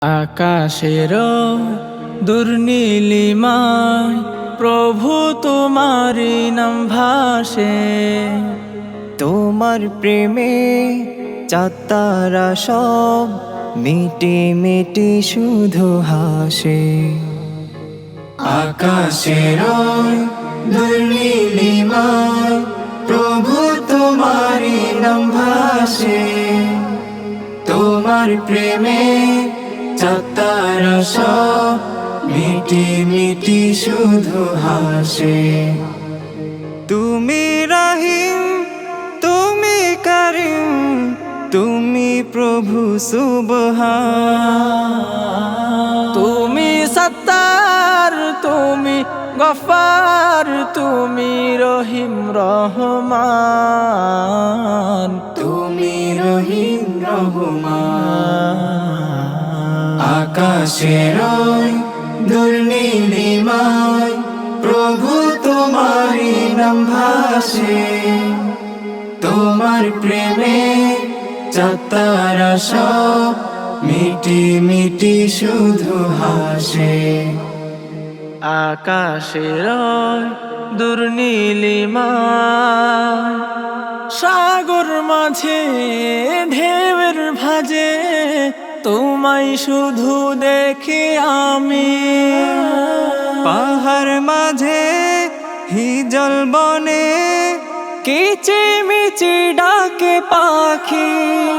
আকাশের দুর্নীলিমায় প্রভু তোমারি নাম ভাসে। তোমার প্রেমে চাঁদ-তারা সব মিটি মিটি শুধু হাসে। আকাশের দুর্নীলিমায় প্রভু তোমারি নাম ভাসে। তোমার প্রেমে চাঁদ-তারা সব মিটি মিটি শুধু হাসে। তুমি রহিম, তুমি করিম, তুমি প্রভু সুবহান। তুমি সত্তার, তুমি গফার, তুমি রহিম রহমান। তুমি রহিম রহমান। আকাশের দুর্নীলিমায় প্রভু তোমারি নাম ভাসে। তোমার প্রেমে চাঁদ-তারা সব মিটি মিটি শুধু হাসে। আকাশের দুর্নীলিমায় সাগর মাঝে ঢেউয়ের ভাজে, তোমায় শুধু দেখি আমি। পাহাড় মাঝে হিজল বনে কিচিমিচি ডাকে পাখি।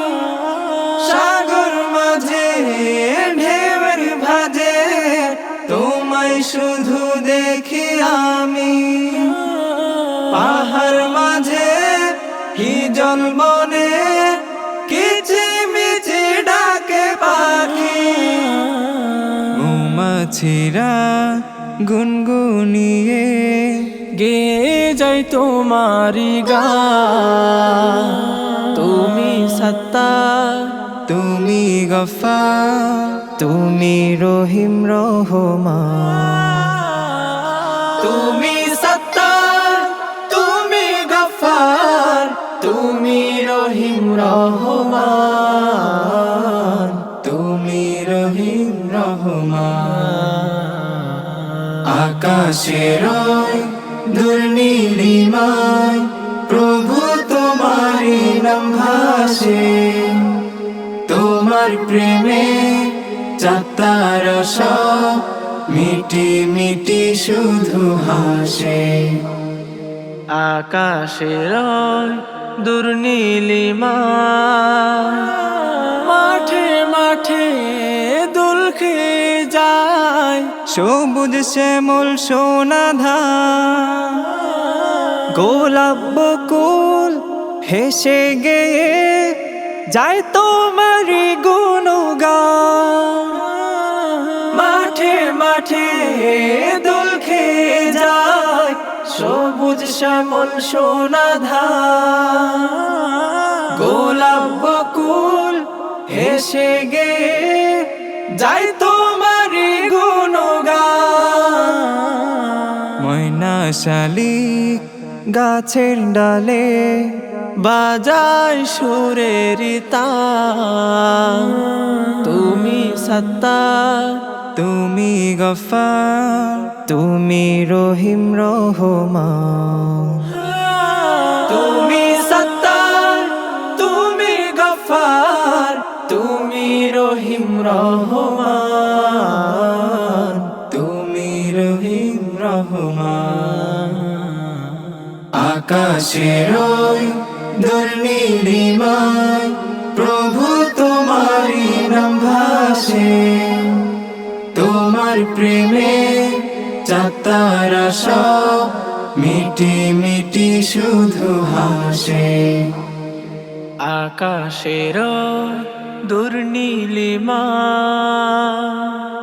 সাগর মাঝে ঢেউয়ের ভাজে, তোমায় শুধু দেখি আমি। পাহাড় মাঝে হিজল বনে কিচিমিচি ডাকে পাখি। মৌমাছিরা গুনগুনিয়ে গেয়ে যাই তোমারি গান। তুমি সত্তা, তুমি গফার, তুমি রহিম রহমান। তুমি সত্তার, তুমি গফার, তুমি রহিম রহমান। তুমি রহিম রহমান। আকাশের দুর্নীলিমায় প্রভু তোমারি নাম ভাসে। তোমার প্রেমে চাঁদ-তারা সব মিটি মিটি শুধু হাসে। আকাশের দুর্নীলিমায় মাঠে মাঠে দোল খেয়ে যায়, সবুজ শ্যামল সোনা ধান। গোলাপ বকুল হেসে গেয়ে যায় তোমারি গুণগান। মাঠে মাঠে দোল খেয়ে যায়, সবুজ শ্যামল সোনা ধান। গোলাপ বকুল হেসে গেয়ে যায় তোমারি গুণগান। ময়না শালিক গাছের ডালে বাজায় সুরের তান। তুমি সত্তা, তুমি গফার, তুমি রহিম রহমান। তুমি সত্তার, তুমি গফার, তুমি রহিম রহমান। তুমি রহিম রহমান। আকাশের দুর্নীলিমায় প্রভু তোমারি নাম ভাসে। তোমার প্রেমে চাঁদ-তারা সব মিটি মিটি শুধু হাসে। আকাশের দুর্নীলিমায়